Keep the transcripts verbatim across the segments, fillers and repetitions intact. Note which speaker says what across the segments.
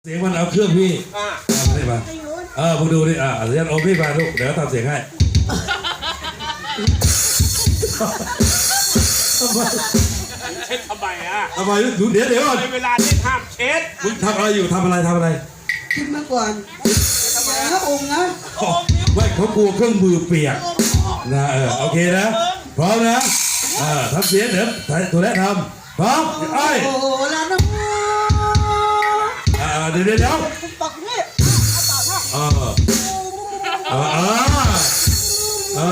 Speaker 1: เสียงมันเอาเครื่องพี่ทำได้ปะเออพวกดูดิอ่ะเสียงโอพี่มาลูกเดี๋ยวทำเสียงให้
Speaker 2: เช็ดทำไมอ่ะ
Speaker 1: ทำไมดูเดี๋ยวเดี๋ยวก่อน
Speaker 2: ในเวลาที่ห้ามเช็ด
Speaker 1: มึงทำอะไรอยู่ทำอะไรทำอะไร
Speaker 3: คิดมาก่อนพระองค์นะ
Speaker 1: ไม่เขากลัวเครื่องมือเปียกนะเออโอเคนะพร้อมนะอ่าทำเสียงเดี๋ยวตัวแรกทำพร้อมไอ้
Speaker 3: โอ้โหแล้วนะ
Speaker 1: อ่าเดี๋ยวเดี๋ยวเดี๋ยว
Speaker 3: ปักนี่
Speaker 1: อ่าอ่าอ่าอ่า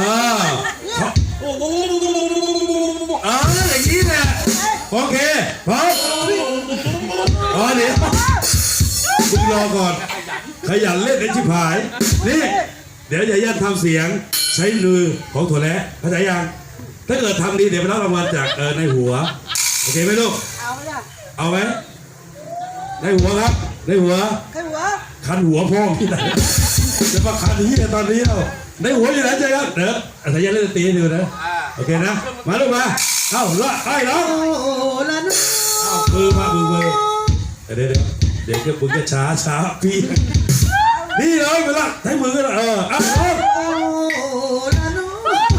Speaker 1: อ่าอย่างนี้แหละโอเคพร้อมอ๋อเดี๋ยวมึงรอก่อนขยันเล่นไอ้ชิบหายนี่เดี๋ยวอย่ายันทำเสียงใช้มือของถั่วแระเข้าใจยังถ้าเกิดทำดีเดี๋ยวไปรับรางวัลจากเออในหัวโอเคไหมลูก
Speaker 3: เอาไหมล่ะ
Speaker 1: เอาไหมในหัวครับในหัว
Speaker 3: ใครหัว
Speaker 1: คันหัวพ่อที่ไหนจะมาคันที่ตอนนี้เราในหัวอยู่ไหนใจครับเดี๋ยวอาจารย์เล่นตีให้ดูนะโอเคนะมาลูกมาเอ้าละไอ้น้อง
Speaker 3: โอ้โหแล้วนะ
Speaker 1: เอ้ามือมามือมือเดี๋ยวเดี๋ยวเดี๋ยวก็มึงก็ช้าช้าพี่นี่เลยไปละใช้มือก็เออเอ้า
Speaker 3: โอ้โหแล้วนะ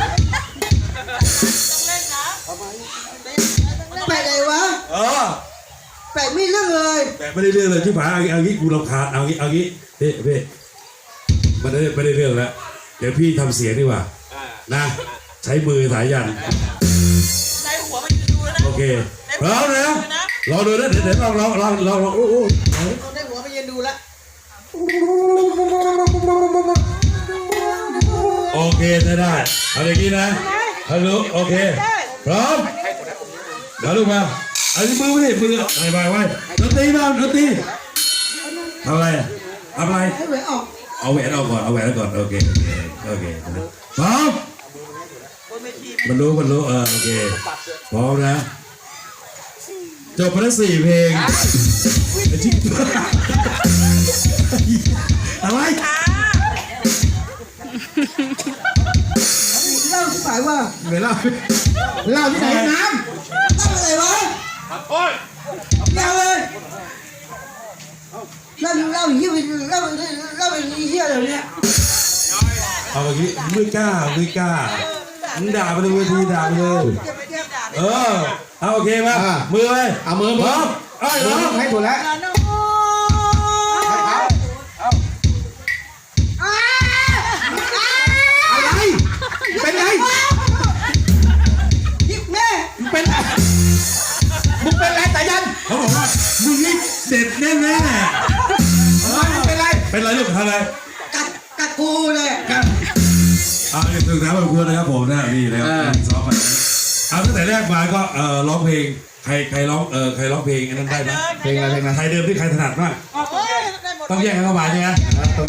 Speaker 3: แปลกไงวะ
Speaker 1: เออ
Speaker 3: แปลกไม่เรื่องเลย
Speaker 1: แต่ไม่ได้เรื่องเลยที่ผ่านเอางี้กูรำคาญเอางี้เอางี้เฮ้เฮ้มันไม่ได้ไม่ได้เรื่องแล้วเดี๋ยวพี่ทำเสียงดีกว่านะใช้มือสายยัน
Speaker 4: ในหัวมันยืนดูแล้วนะ
Speaker 1: โอเคพร้อมนะรอดูนะเดี๋ยวเดี๋ยวลองลองลองลองลองโอ้โห
Speaker 3: เราได้หัวไปยืนดูละ
Speaker 1: โอเคได้ได้เอาอย่างนี้นะฮัลโหลโอเคพร้อมเดี๋ยวลูกมาเอาที่มือไว้มือไอ้ใบไว้ดนตรีมาดนตรีทำอะไรทำอะไร
Speaker 3: ให้หวยออก
Speaker 1: เอาแหวนเอาก่อนเอาแหวนเอาก่อนโอเคโอเคโอเคพร้อมมันรู้มันรู้เออโอเคพร้อมนะจบไปแล้วสี่เพลงไอ้จิ๊กอะไร
Speaker 3: เล่าที่ฝ่ายว่า
Speaker 1: เวลา
Speaker 3: เล่าที่ไหนน้ำเล่าอะไรวะ
Speaker 2: โอ้ย
Speaker 3: เล่าเลยเล่าเล่าอย่างนี้เล่าเล่าอย่างนี้เฮียอะไรเนี่ย
Speaker 1: เอาอย่างนี้ไม่กล้าไม่กล้ามึงด่าไปเลยเวทีด่าไปเลยเออเอาโอเคมามือไปเอามือพร้อมไอ้น้องให้ถูกแล้วอะไรเป็นไง
Speaker 3: แม่
Speaker 1: เป็นมึงเป็นไรแต่ยันเขาบอกว่ามึงนี่เด็ดแน่แน่เป็นไรเป็นไรลูกทำอะไร
Speaker 3: กัดกัดกูเลย
Speaker 1: กันอ่าถึงถามแบบคุณนะครับผมนะนี่แล้วซ้อมมาเอาตั้งแต่แรกมาก็เอ่อร้องเพลงใครใครร้องเออใครร้องเพลงนั้นได้ไหมเพลงอะไรเพลงอะไรไทยเดิมที่ใครถนัดมาก
Speaker 4: เฮ้ยได้หมด
Speaker 1: ต้องแยกกันเข้ามาใช่ไหม